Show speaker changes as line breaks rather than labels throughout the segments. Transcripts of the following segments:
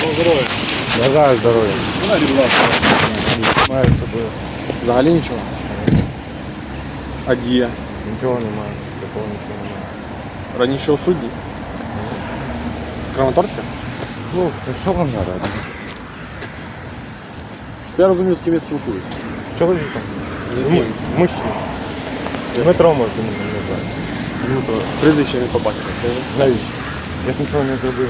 Здоров'я.
Бажаю здоров'я.
Вона, будь ласка.
Маю з собою.
Взагалі нічого? А дія?
Нічого немає. Такого нічого немає.
Раніше у судді? З Краматорська?
Хлопці, що вам треба?
Щоб я розумів, з ким я спілкуюсь.
Чоловіком.
З яким?
Мужчина. Дмитро можете мене назвати.
Дмитро. Прізвище не побачив, скажи.
Навіщо? Я ж нічого не зробив.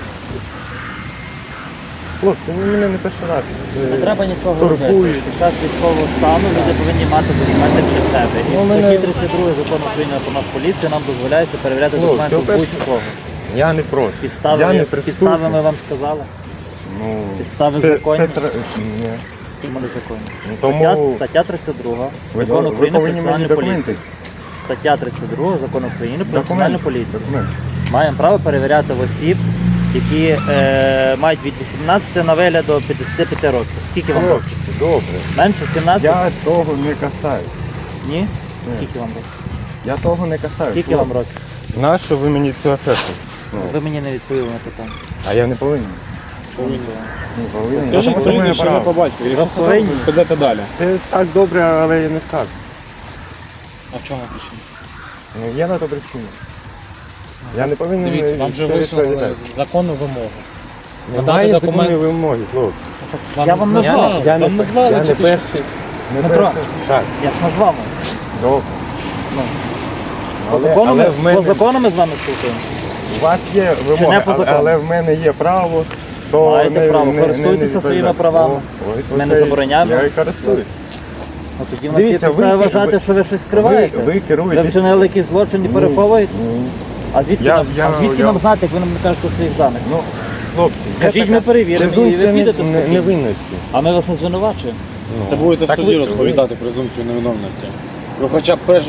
Хлопці, ну мене не перший раз.
Не треба нічого робити.
Турбують.
Під час військового стану люди повинні мати документи при себе. І
Ну,
в
мене-
статті 32 закону України про нас поліцію нам дозволяється перевіряти
Ну,
документи
це
у
перше.
будь-кого.
Я не проти.
Підстави,
Я не
підстави ми
присутній.
вам сказали.
Ну,
Підстави
це-
законні?
це Ні.
Чому не законні?
Тому
Стаття 32
ви,
закону
ви
України про
повинні мені
національну
документи.
поліцію. Стаття 32 закону України про національну поліцію.
Документи.
Маємо право перевіряти в осіб, які мають від 18 на вигляд до 55 років. Скільки вам років?
Добре.
Менше 17?
Я того не касаю.
Ні? Скільки вам років?
Я того не касаю.
Скільки вам років?
Нащо ви мені цю афешу? Ну,
Ви мені не відповіли на питання.
а я не повинен. Не повинен.
Скажіть
Тому що в мене
прізвище
право.
не по батькові. Якщо
Вас повинні.
це, підете далі.
Це так добре, але я не скажу.
А в чому причина?
Ну, є на то причина. Я не повинен.
Дивіться, вам вже
це
висунули
відповідати.
законну вимогу.
Немає
надати
законної
документ.
вимоги, хлопці.
Я вам назвав.
Я не
Вам назвали
я не
тільки
перший. Не
Дмитро.
перший. Так,
Я ж назвав.
добре.
Ну.
Але-
По закону,
але в мене-
по закону ми з вами спілкуємося.
У вас є
Чи
вимоги,
не по закону?
але в мене є право. То
Маєте право, користуйтеся своїми правами. Ми не забороняємо.
Я і користуюсь.
Ну, тоді в нас є
Дивіться,
підстави
ви-
вважати,
ви-
що ви щось скриваєте.
ви керуєтесь-
Ви вчинили якийсь злочин і переховуєтесь?
Ні.
А звідки,
Я-
нам,
я-
а звідки
я-
нам знати, як ви нам не кажете своїх даних?
Ну, хлопці,
Скажіть, ми перевіримо, і ви
презумпція
підете
не
спокійно.
невинності.
А ми вас не звинувачуємо.
Це будете в
Так
суді
ви-
розповідати презумпцію невиновності. Ви хоча б перш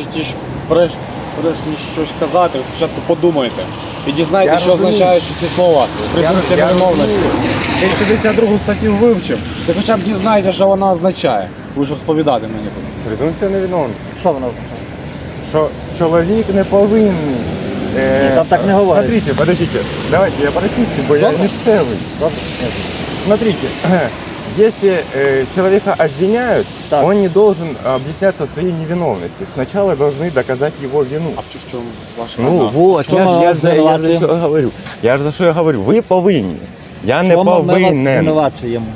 ніж щось казати, ви спочатку подумайте. І дізнайтеся,
Я
що
розумію.
означає, що ці слова. Презумпція
я
невиновності. Ти 62 статтю вивчив, ти хоча б дізнайся, що вона означає. Ви ж розповідати мені будете.
Презумпція невиновна.
Що воно означає?
Що чоловік не повинен.
там так не говорять.
Смотрите, подождите, давайте я по-российски, бо я місцевий.
Добре?
Смотрите, если человека обвиняют,
Так.
он не должен объясняться в своей невиновности. Сначала должны доказать его вину.
А в чому ваша
Ну
вина?
вот,
Чому
я
ми
ж
вас
за
звинувачуємо?
що говорю. Я ж за що я говорю. Ви повинні. Я не
Чому ми вас
повинен.
звинувачуємо?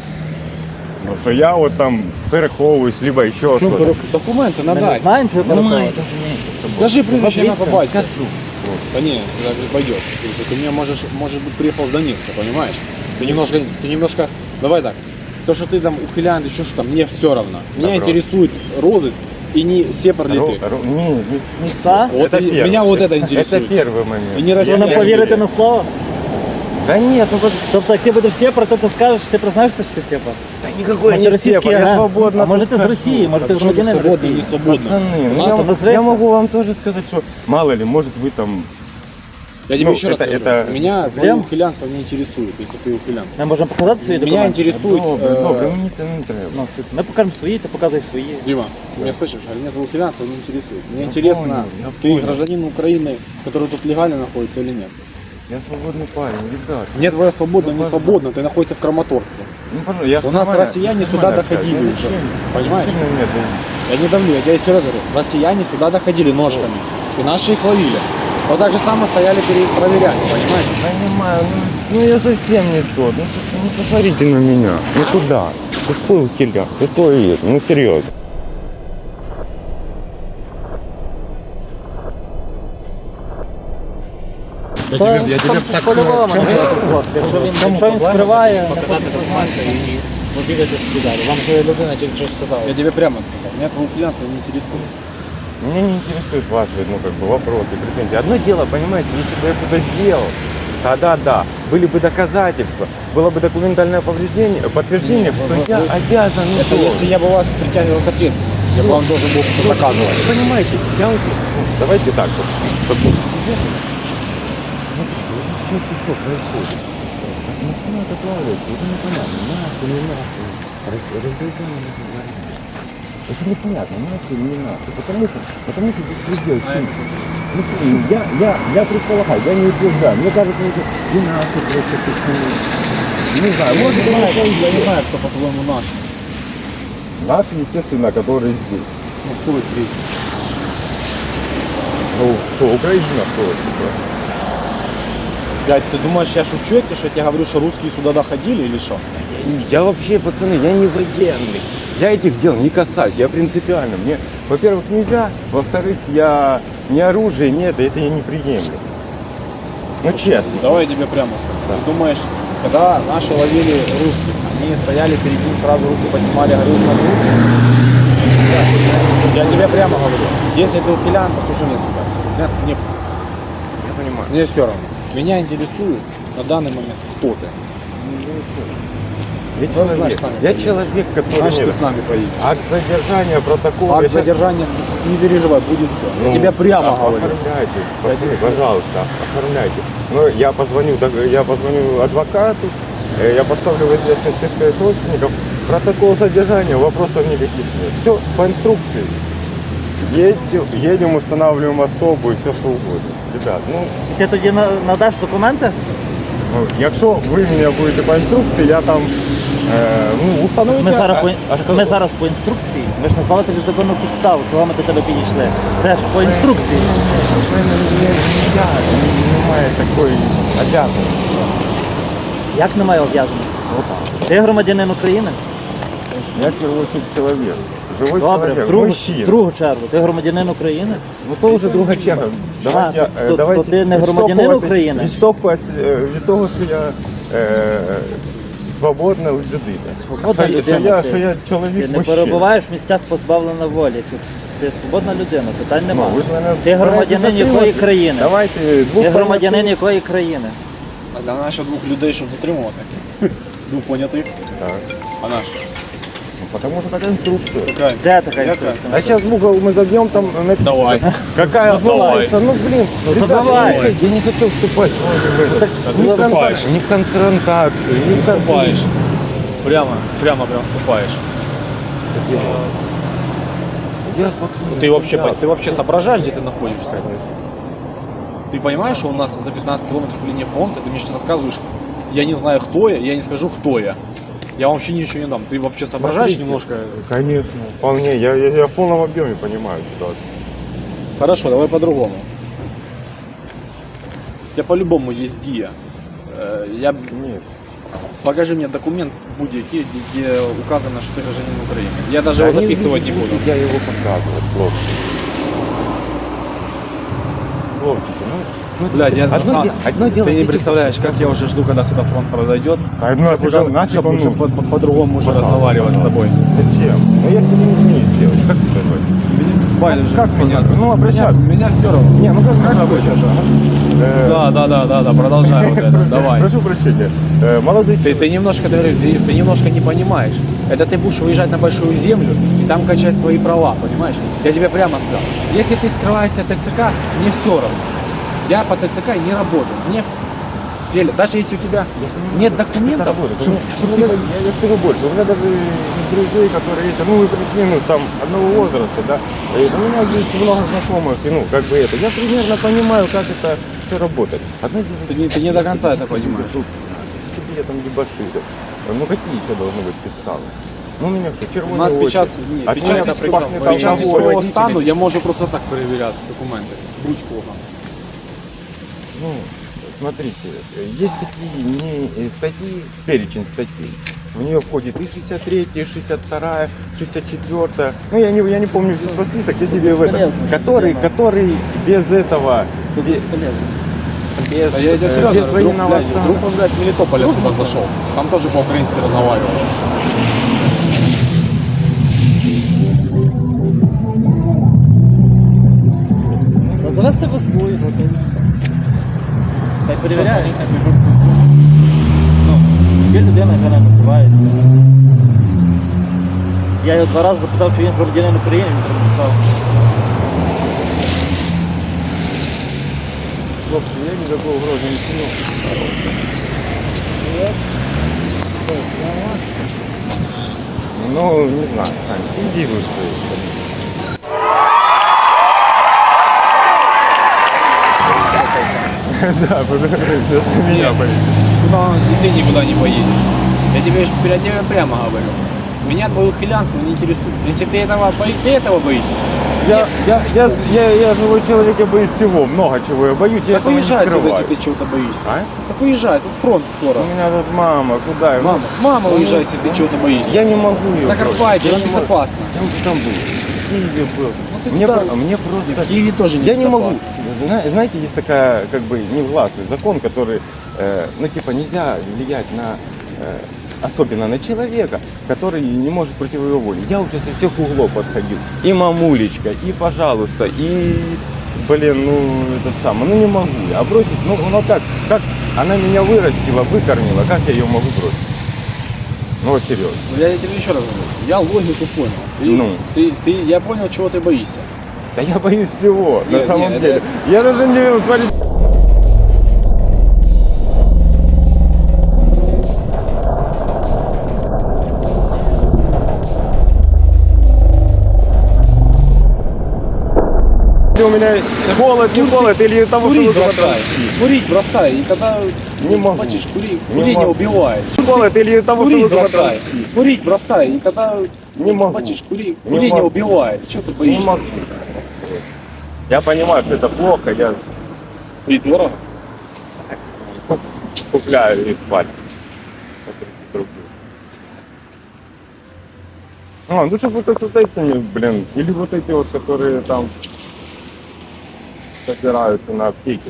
Ну що я от там переховуюсь, либо ще щось.
Документи
Ми не
надай.
знаємо, чи ви переховуєте?
Скажи прізвище ім'я по
Назвіться.
батькові. Да не, так не пойдет. Ты мне может быть, приехал с Донецка, понимаешь? Ты немножко, давай так. То, что ты там ухилянт, еще что-то, мне все равно. Меня
Добро.
интересует розыск и не сепар ли ты.
Не
Так?
Вот
это
и-
первый.
меня вот это
Это
интересует.
первый момент.
И не
Ви
Россия.
нам повірите на слово?
Да нет, ну
Тобто, як ти будеш сепар, то ти скажеш, ти признаєшся, що ти сепар?
никакой
Може,
не
російський
сепар, я
агент?
свободно.
А може ти з
тут
Росії, може ти
Почему ты
громадянин
свободно,
Росії?
не свободно?
Пацаны,
У
ну
нас-
я,
назвайся.
я могу вам тоже сказать, что мало ли, может вы там...
Я тебе
Ну,
еще раз
это-
говорю,
это-
меня твои
Прям?
ухилянство не интересует, если ты ухилянт.
Ми можемо показати свої
Меня
документи?
интересует...
Добре, добре, мені це не треба.
Ну, ми покажемо свої, ти показуй свої.
Дима, меня слышишь? А меня твое ухилянство не интересует. Мне интересно,
понял, я
ты
понял.
гражданин Украины, который тут легально находится или нет?
Я свободный парень, ребят.
Мне твоя свободно, не свободно, ты находишься в Краматорске.
Ну, пожалуйста, я ж
У нас
нормально-
россияне
я
сюда
нормально
доходили
общаюсь.
уже,
Я ничем-
понимаешь?
ничем не давлю.
Я не давлю, я тебе еще раз говорю, россияне сюда доходили ножками, и наши их ловили. Вот так же само стояли проверять, понимаешь?
Понимаю, ну я совсем не тот. Ну посмотрите на меня. Ну куда? Какой ухиляк? Какой это? Ну серьезно.
По-любому, хлопці. Якщо він скриває,
Показати документи і побігати собі далі. Вам же людина тільки що сказала.
Я тебе прямо сказал, меня твое ухилянство не интересует.
Меня не интересуют ваши, ну как бы вопросы, претензии. Одно дело, понимаете, если бы я что-то сделал, тогда да, были бы доказательства, было бы документальное подтверждение, что я обязан.
Это если я бы вас притягивал к ответственности, я бы вам должен был что-то доказывать.
Понимаете, я вот, давайте так вот, чтобы... Что происходит? Начинают отлавливать, это непонятно, нахуй, не нахуй. Разделение не говорит. Это непонятно, нахуй, не нахуй. Потому что беспредел. Ну, я предполагаю, я не утверждаю. Мне кажется, это не нахуй просто почему. не знаю, может быть,
Я не знаю, кто, по-твоему, наш.
наши, естественно, которые здесь.
Ну, кто здесь?
Ну, что, Украина, кто это?
Блядь, ты думаешь, я шучу, что я тебе говорю, что русские сюда доходили или что?
Я вообще, пацаны, я не военный. Я этих дел не касаюсь, я принципиально. Мне, во-первых, нельзя, во-вторых, я ни оружия нет, это я не приемлю. Ну, честно.
Давай я тебе прямо скажу. Ты думаешь, когда наши ловили русских, они стояли перед ним, сразу руки поднимали, говорили, что он русский? Я тебе прямо говорю. Если ты ухилян, послушай меня сюда. Нет, мне,
Я понимаю.
мне все равно. Меня интересует на данный момент, кто ты.
Я
Ну,
человек,
значит, с нами
я
поедешь.
человек, который...
Значит, ты
нет.
с нами поедешь.
Акт задержания, протокол...
Акт
это-
задержания, не переживай, будет все.
Ну,
Я тебе прямо говорю.
Оформляйте,
Я тебе-
пожалуйста, оформляйте. Но я позвоню адвокату, я поставлю в известность всех своих родственников. Протокол задержания, вопросов никаких нет. Все по инструкции. Едем, устанавливаем особу и все что угодно. Ребят, ну,
Ти тоді надаш документи?
якщо ви мене будете по інструкції, я там установите...
Ми зараз по інструкції. Ви ж назвали тобі законну підставу, чого ми до тебе підійшли. Це ж по інструкції.
Немає такої обязанності.
Як немає обов'язаності? Ти громадянин України?
Я в первую очередь человек. Живой
Добре,
человек,
в
мужчина.
другу чергу. Ти громадянин України?
Ну то вже друга черга. Давайте,
то ти не громадянин України?
Від того, що я свободна людина.
Свободна
Що
людина.
що я
Ти
чоловік
не
мужчина.
перебуваєш в місцях позбавлення волі. Ти свободна людина, питань
Ну,
немає.
ви ж мене
Ти громадянин
збираєтесь
якої
затримати?
країни?
Давайте
Ти громадянин якої країни?
А наші двох людей, щоб затримувати. Двох понятих,
Так.
а наш.
Ну, потому что такая инструкция.
Какая?
Де така
Яка?
інструкція?
А сейчас в угол мы забьем там...
Давай.
Какая
Давай.
Ну, блин,
Ну,
ребята,
давай.
я не хочу вступать в это.
А ты вступаешь.
Ни в конфронтацию, ни в
Вступаешь. Прямо вступаешь.
Я
Ты вообще соображаешь, где ты находишься? Ты понимаешь, что у нас за 15 километров линия фронта, ты мне сейчас рассказываешь, я не знаю, кто я не скажу, кто я. Я вообще ничего не дам. Ты вообще соображаешь
Смотрите.
немножко?
Конечно. Вполне. Я в полном объеме понимаю ситуацию.
Хорошо, давай по-другому. Я по-любому есть Дия.
Нет.
Покажи мне документ будь-який, где указано, что ты гражданин Украины. Я даже его записывать не буду.
Я его показывать, хлопчики. Хлопчики, ну...
Блядь, я
одно дело,
ты не
если-
представляешь, как я уже жду, когда сюда фронт подойдет.
Одно
Уже,
нафиг
чтобы
он
уже
нужен.
по-другому уже разговаривать с тобой.
Зачем? Ну я тебе ничего не сделал. Как ты думаешь?
Байдуже,
Как меня? Ну, обращаться.
Меня все равно.
Не, ну как рабочая же.
Да, продолжай вот это, давай.
Прошу прощения. Молодой
Ты немножко, ты немножко не понимаешь. Это ты будешь выезжать на большую землю и там качать свои права, понимаешь? Я тебе прямо сказал. Если ты скрываешься от ТЦК, мне все равно. Я по ТЦК не работаю. Мне Феля, даже если у тебя нет документов, чтобы
я скажу больше. У меня даже из друзей, которые эти, ну, плюс-минус там одного возраста, да. И у меня здесь много знакомых, и, ну, как бы это. Я примерно понимаю, как это все работает. Одно дело,
ты не до конца это понимаешь.
Себе я там дебоширю. Ну какие еще должны быть підстави? Ну, у меня что,
У
червоний
нас
очі.
під час
От мене пахне
під час
алкоголь,
військового
водителі.
стану я можу просто так перевіряти документи. Будь-кого.
Ну, смотрите, есть такие статьи, перечень статей. В нее входит и 63, и 62, 64. Ну, я не помню весь список, я себе в этом. Который без этого, без,
Да я тебе серьезно
без
говорю,
военного стана.
вдруг он, блядь, с Мелитополя сюда зашел. Там тоже по-украински разговаривал.
Завести вас бою, Хай перевіряє. Ну, є людина, яка не називається. Я його 2 рази запитав, чи він громадянин України, він прописав.
Хлопцы, я никакой угрозы не сильно. Ну, не знаю, Ань, иди лучше. Да, вместо меня поедешь.
никуда, и ты никуда не поедешь. Я тебе прямо говорю. Меня твое хулиганство не интересует. Если ты этого боишься,
Я живой человек, я боюсь всего, много чего я боюсь, я
так
этого не
уезжай отсюда,
скрываю.
если ты чего-то боишься.
А?
Так уезжай, тут фронт скоро.
У меня тут мама, куда?
Мама, с мамой уезжай, если ты чего-то боишься.
Я не могу ее.
Закарпатье, там безопасно.
Я уже там был. В Киеве был.
ты
Мне,
туда-
мне
В
просто...
Киеве тоже не
Я не могу.
безопасно.
Знаете, есть такая, как бы, невластный закон, который, ну, типа, нельзя влиять на, особенно на человека, который не может против его воли. Я уже со всех углов подходил. И мамулечка, и пожалуйста, и, блин, ну, это самое, ну, не могу. А бросить, ну как она меня вырастила, выкормила, как я ее могу бросить? Ну, вот серьезно.
Ну, я тебе еще раз говорю, я логику понял. Я понял, чего ты боишься.
Да я боюсь всего,
Нет,
на самом
нет,
деле. Я даже не... Смотри, у меня холод, не холод, или того, что
Курить
вы
бросай. Курить бросай, и тогда
Не могу.
Бачишь,
Не
курение
могу.
убивает.
холод, или того, что
Курить
вы
бросай. Курить бросай, и тогда
Не могу.
бачишь,
Не
курение
могу.
убивает. Чего ты
Не
боишься?
могу. Я понимаю, что это плохо, я
И дорого.
купляю их спать. По 30 рублей. Ну чтобы вот с этими, блин, или вот эти вот, которые там собираются на аптеке.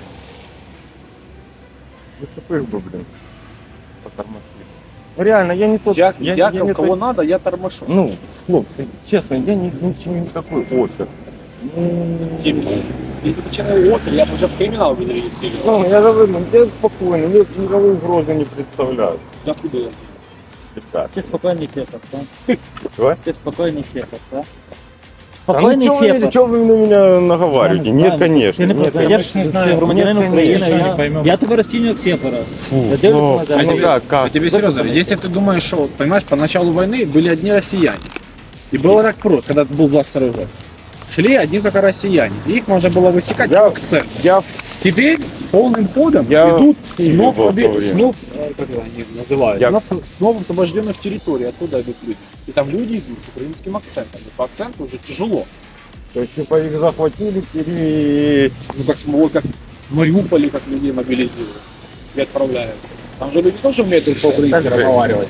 Ну, чтобы их бы, блин, потормошили. Ну, реально, я не тот...
Я
не
кого
тот-
надо, я тормошу.
Ну, хлопцы, честно, я ничего не такой опер.
Типа, если бы человек опер, я бы уже в криминал бы зарегистрировал.
Ну, я говорю, я спокойно, я никакой угрозы не представляю.
Я куда я знаю?
Ребят.
Ты спокойный сепар, да?
Что?
Ты спокойный сепар, да?
А
Спокойный сепар.
чё вы на меня наговариваете?
Я не
Нет,
знаю.
конечно.
Ти не
нет,
познаєш,
конечно.
ти громадянин
Нет,
України.
конечно.
не поймем.
Я тебе розцінюю як сепара.
Фу,
Я дивлюся на
хлопцы,
тебе.
ну как?
Я тебе серьезно говорю, если ты думаешь, что, понимаешь, по началу войны были одни россияне. И был ракпрод, когда был 22 год. Шли одни только россияне. И их можно было высекать
Я-
как акцент.
Я
Теперь полным ходом
Я
идут
в Киеве был в то время.
как это они называют,
Я-
снов освобожденных территорий, оттуда идут люди. И там люди идут с украинским акцентом. И по акценту уже тяжело.
то есть, типа их захватили, и...
Ну как смогут, как в Мариуполе, как людей мобилизируют и отправляют. Там же люди тоже умеют по-украински
Так же.
разговаривать.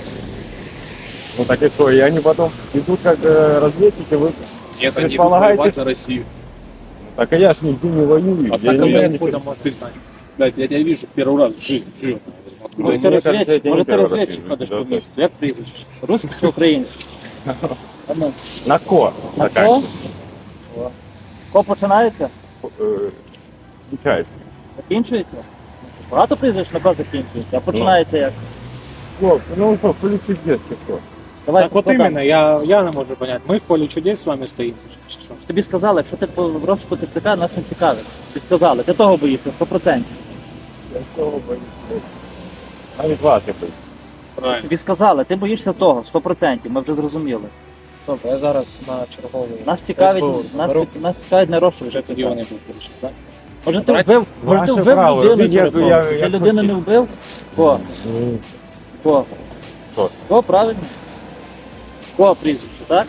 Ну так и что, и они потом идут как разведчики, вы...
Нет, они идут
Предполагаете-
воевать за Россию.
Так а я ж нигде не воюю.
А
я
так
не-
мы
я
откуда можешь ты знать? Блядь, я тебя вижу первый раз в жизни, серьезно. Откуда
Ну,
я
Може
тебя-
ти
мені кажеться, я
розвідчик,
тебе
може
не
ти
перший раз
розвідчик
вижу,
ходиш
да,
по місту. Як прізвище? Русський чи український? А ну,
На ко?
На
Така,
ко? Ко починається?
Включається.
Закінчується? Багато прізвищ на ко закінчується, а починається як?
Хлопці, ну що, поліцейські що?
Давай,
Так вот
складай.
именно, я не можу понять. Мы в поле чудес с вами стоим. Чи що?
Тобі сказали, якщо ти в розшуку ТЦК, нас не цікавить. Тобі сказали, ти того боїшся, 100%.
Я цього боюсь. Навіть вас я боюсь.
Правильно.
Тобі сказали, ти боїшся того, 100%, ми вже зрозуміли.
Добре, я зараз на чергову.
Нас цікавить,
СБУ
нас цікавить не розшук.
Вже тоді вони будуть вирішити, так?
Може ти вбив, може ти
Ваше
вбив
право,
людину,
робіть, як-
Сорокову?
як-
Ти
як
людину
хочете.
не вбив? Ко? Ко?
Що?
Ко, правильно? Ко прізвище, так?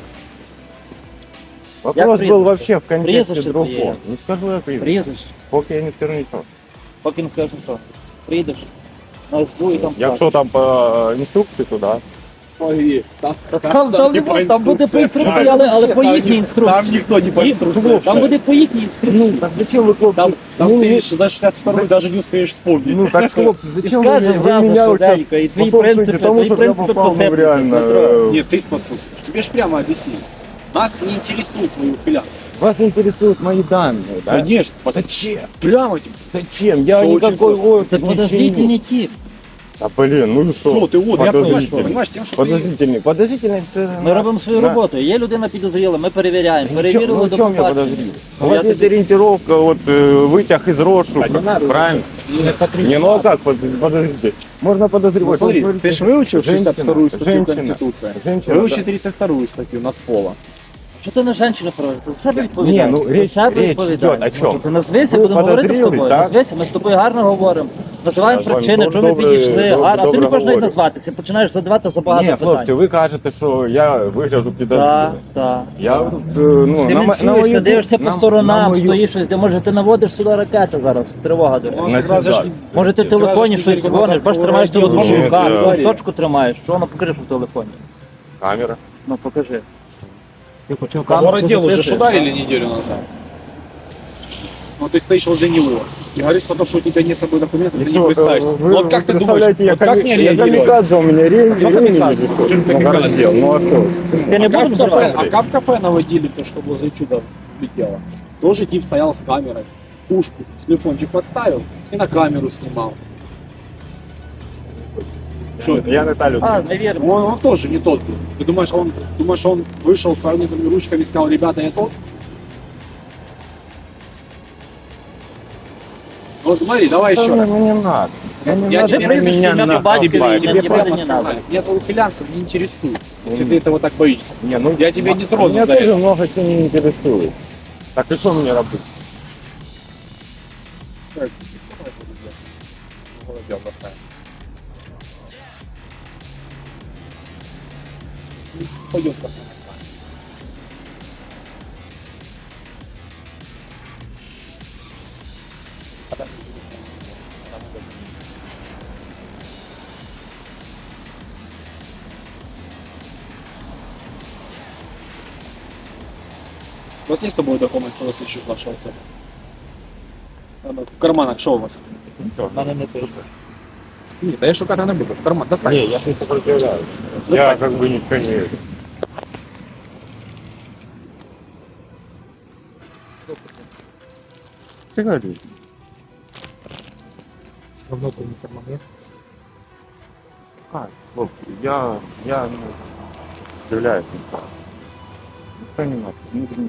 Вопрос
прізвище?
был вообще в контексте
Прізвище
другом.
твоє.
Не скажу я прізвище.
Прізвище.
Поки я не скажу нічого.
Поки не скажеш нічого. Прийдеш на СБУ і там
Якщо там по інструкції, то да.
Ой,
Там не буде, там буде по інструкції, але по їхній інструкції.
Там никто не по
Ні,
инструкции.
Там буде по їхній інструкції.
Так зачем ви, хлопці?
Там
Ну,
ты за 62-й даже не успеешь вспомнить.
Ну так, хлопці,
І
зачем
скажеш
ви
зразу
мене
швиденько, і твої
способствуєте
принципи,
тому,
твої
щоб я
принципи
попав в
посипляться,
реально...
Дмитро.
Нет, ты способствуешь. Тебе ж прямо объяснили. Нас не интересует твои ухилянства.
Вас интересуют мои данные, да?
Конечно.
Зачем?
Прямо тебе.
Зачем? Я
Всё очень
никакой
просто.
опыт
Ти
не
подозрительний тип.
А блин, ну и что?
Все, ты вот, я понимаю,
Подозрительный.
понимаешь, тем, что ты...
Подозрительный. Подозрительный це...
Ми робимо свою
на-
роботу. Є людина підозріла, ми перевіряємо.
Ну,
Перевірили
в
до
чем я
побачення.
подозрел?
Ну,
У вас
я
есть
тобі-
ориентировка, вот вытяг из розшука, правильно? Не, ну а как подозритель? Можно подозревать.
Ну, смотри,
Вот говорите,
ты же выучил 62-ю статью
женщина,
Конституции.
женщина,
Выучи
да.
32-ю статью Нацпола.
Що ти на жінку проводиш? Ти за себе відповідаєш.
Ні, ну,
За
річ-
себе
річ
відповідаєш.
йде о чому?
Ну, ти назвися,
Ви
будемо говорити з
подозріли,
тобою.
так?
Назвися, ми з тобою гарно говоримо. Називаємо
Я з вами
причини, чому ми
добре-
підійшли.
добре-
А ти
добре
не можеш навіть
говорю.
назватися, починаєш задавати забагато
Ні,
питань.
хлопці, ви кажете, що я вигляду
Так,
підозрілий.
так.
Я, ну,
Ти
на
чуєшся, дивишся по
на
сторонам,
мою-
стоїш щось, де може ти наводиш сюди ракети зараз, тривога.
У нас
На
как раз же ж
сюда.
Може ти в телефоні щось дзвониш, бачиш, тримаєш телефон в
Ні,
руках,
я-
якусь точку тримаєш. Що воно покажи, що в телефоні?
Камера.
Ну покажи. Ти хотів
По
камеру,
городелу
ти
уже ж
записуєш?
ударили неделю назад. Ну ты стоишь возле него и говоришь потом, что у тебя нет с собой документов, ты не представишься.
Вы,
Ну вот как ты думаешь,
представляете,
вот как мне
я
реагировать?
камикадзе, у меня ремень
Что
не
камикадзе?
висит.
Что ты
на
камикадзе?
городел. Ну а что?
Ти не
А
будеш взорвати?
в кафе наводили то, что возле чуда летело. Тоже тип стоял с камерой, пушку, телефончик подставил и на камеру снимал. Что?
Я не та людина.
А, навірно.
Он тоже не тот был. Ты думаешь, он вышел с повернутыми ручками и сказал, ребята, я тот? Ну смотри, давай еще
Что
раз.
мне не надо.
Я
надо,
тебе
прежде
меня
всего,
на
батька
Тебе,
не
тебе
надо,
прямо
не надо.
сказали. Меня твой ухилянство не интересует, если ты этого так боишься.
Не, ну,
Я тебя не трону
меня
за
тоже
это.
много чего не интересует. Так и что мне работать?
Голодел бросаем. Пойдем бросаем. У вас есть с собой документ, что засвідчують вашу особу? В карманах що у вас?
Ничего.
В мене не пише.
Ні, та я шукати не буду. В карман, достань.
Не, я не сопротивляюсь. Я
Достань.
как бы ничего не... Ты говоришь?
Давно ты не кармане.
Как? Хлопці, я ну, являюсь не так. Ніхто не надо, внутренний.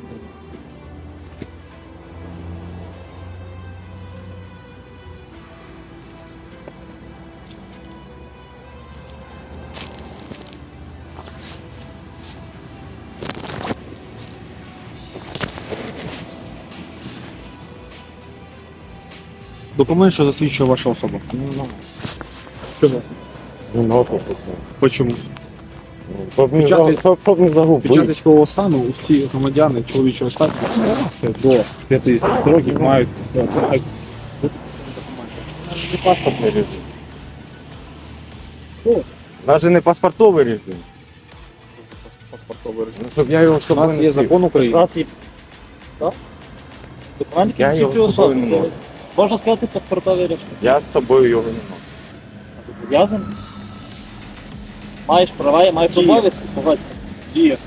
Документ, що засвідчує вашу особу. Чому?
Не надо.
Почому?
Щоб не,
Під час
щоб не загубити.
Під час військового стану усі громадяни чоловічого статусу з 15 до 50 років мають
Не паспортний режим.
Що?
Навіть не паспортовий режим.
паспортовий режим.
Ну, щоб я його з
У
собою
нас
не
є
носив.
закон
У
України.
нас є. Так? Документ,
Я
який
його
засвідчує
з собою
особу.
не
Це,
маю.
можна сказати, паспортовий режим.
Я з собою його не мав.
Зобов'язаний. Маєш права, маєш
Діє.
обов'язки, погодься.
Діє.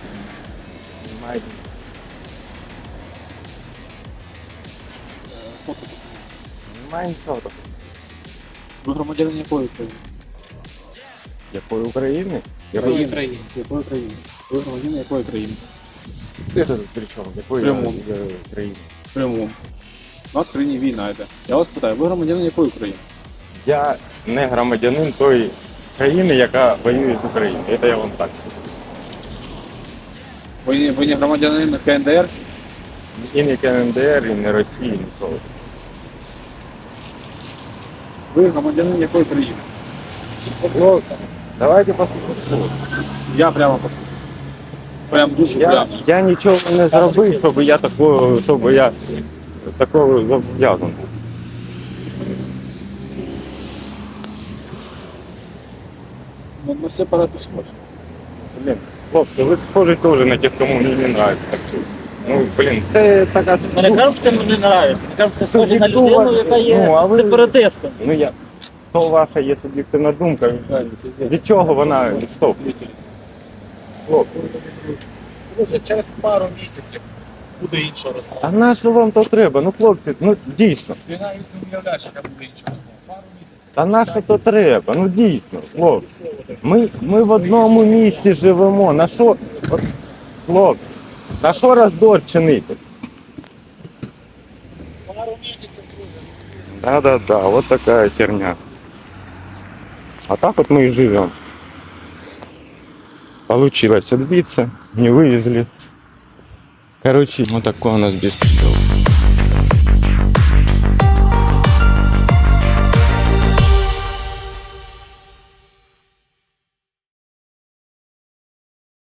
Фото.
Немає нічого такого.
Ви громадянин якої країни?
Якої України?
Якої країни? Якої країни? Ви громадянин якої країни?
Ти ж при чому? Якої
Прямо.
країни?
Прямому. У нас в країні війна йде. Я вас питаю, ви громадянин якої країни?
Я не громадянин тої країни, яка воює з Україною. Це я вам так скажу.
Ви не громадянин КНДР?
І не КНДР, і не Росії, ніколи.
Ви громадянин якої країни?
Ну, давайте послухаємо.
Я прямо послухаю. Прям дуже прямо.
Я нічого не зробив, щоб я такого зобов'язаний був.
Ну, на все парати схожі.
Блін, хлопці, ви схожі теж на тих, кому мені не нравиться. Так що, ну, блін, це така
Ми не кажемо, що ти мені не нравишся. Ми кажемо, що ти схожий на людину, яка є
Ну, а ви-
сепаратистом.
Ну я. То ваша є суб'єктивна думка. Від чого вона відштовхує? Хлопці.
Вже через пару місяців буде інша розмова.
А на що вам то треба? Ну, хлопці, ну дійсно.
Ти навіть не уявляєш, яка буде інша розмова. Пару місяців.
Та на що то треба? Ну дійсно, хлопці. Ми в одному місті живемо. На що, от, хлопці, на що роздор чинити?
Пару місяців, друже.
Да, вот такая херня. А так вот мы и живем. Получилось отбиться, не вывезли. Короче, вот такой у нас беспредел.